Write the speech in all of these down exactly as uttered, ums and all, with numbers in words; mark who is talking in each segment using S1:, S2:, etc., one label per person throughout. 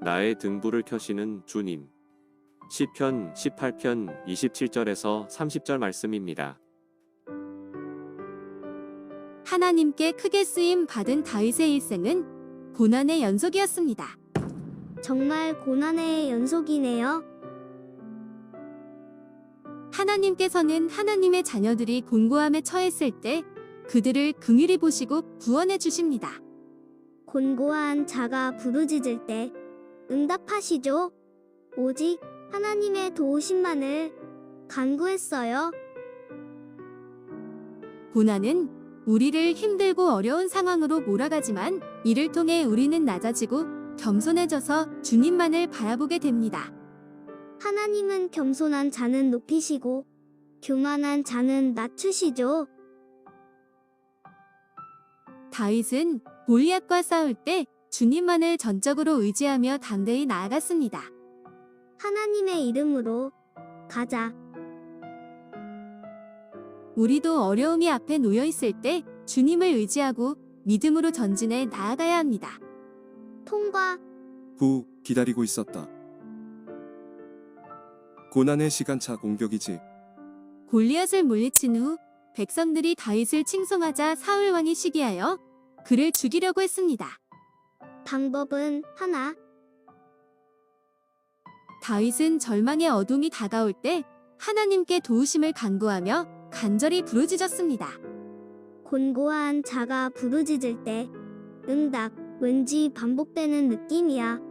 S1: 나의 등불을 켜시는 주님. 시편 십팔 편 이십칠 절에서 삼십 절 말씀입니다.
S2: 하나님께 크게 쓰임 받은 다윗의 일생은 고난의 연속이었습니다.
S3: 정말 고난의 연속이네요.
S2: 하나님께서는 하나님의 자녀들이 곤고함에 처했을 때 그들을 긍휼히 보시고 구원해 주십니다.
S3: 곤고한 자가 부르짖을 때 응답하시죠. 오직 하나님의 도우심만을 간구했어요.
S2: 고난은 우리를 힘들고 어려운 상황으로 몰아가지만 이를 통해 우리는 낮아지고 겸손해져서 주님만을 바라보게 됩니다.
S3: 하나님은 겸손한 자는 높이시고 교만한 자는 낮추시죠.
S2: 다윗은 골리앗과 싸울 때 주님만을 전적으로 의지하며 담대히 나아갔습니다.
S3: 하나님의 이름으로 가자.
S2: 우리도 어려움이 앞에 놓여 있을 때 주님을 의지하고 믿음으로 전진해 나아가야 합니다.
S3: 통과.
S4: 후 기다리고 있었다. 고난의 시간차 공격이지.
S2: 골리앗을 물리친 후 백성들이 다윗을 칭송하자 사울 왕이 시기하여 그를 죽이려고 했습니다.
S3: 방법은 하나.
S2: 다윗은 절망의 어둠이 다가올 때 하나님께 도우심을 간구하며 간절히 부르짖었습니다.
S3: 곤고한 자가 부르짖을 때 응답. 왠지 반복되는 느낌이야.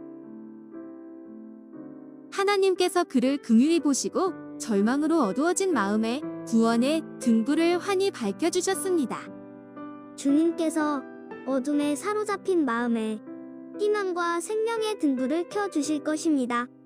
S2: 하나님께서 그를 긍휼히 보시고 절망으로 어두워진 마음에 구원의 등불을 환히 밝혀주셨습니다.
S3: 주님께서 어둠에 사로잡힌 마음에 희망과 생명의 등불을 켜주실 것입니다.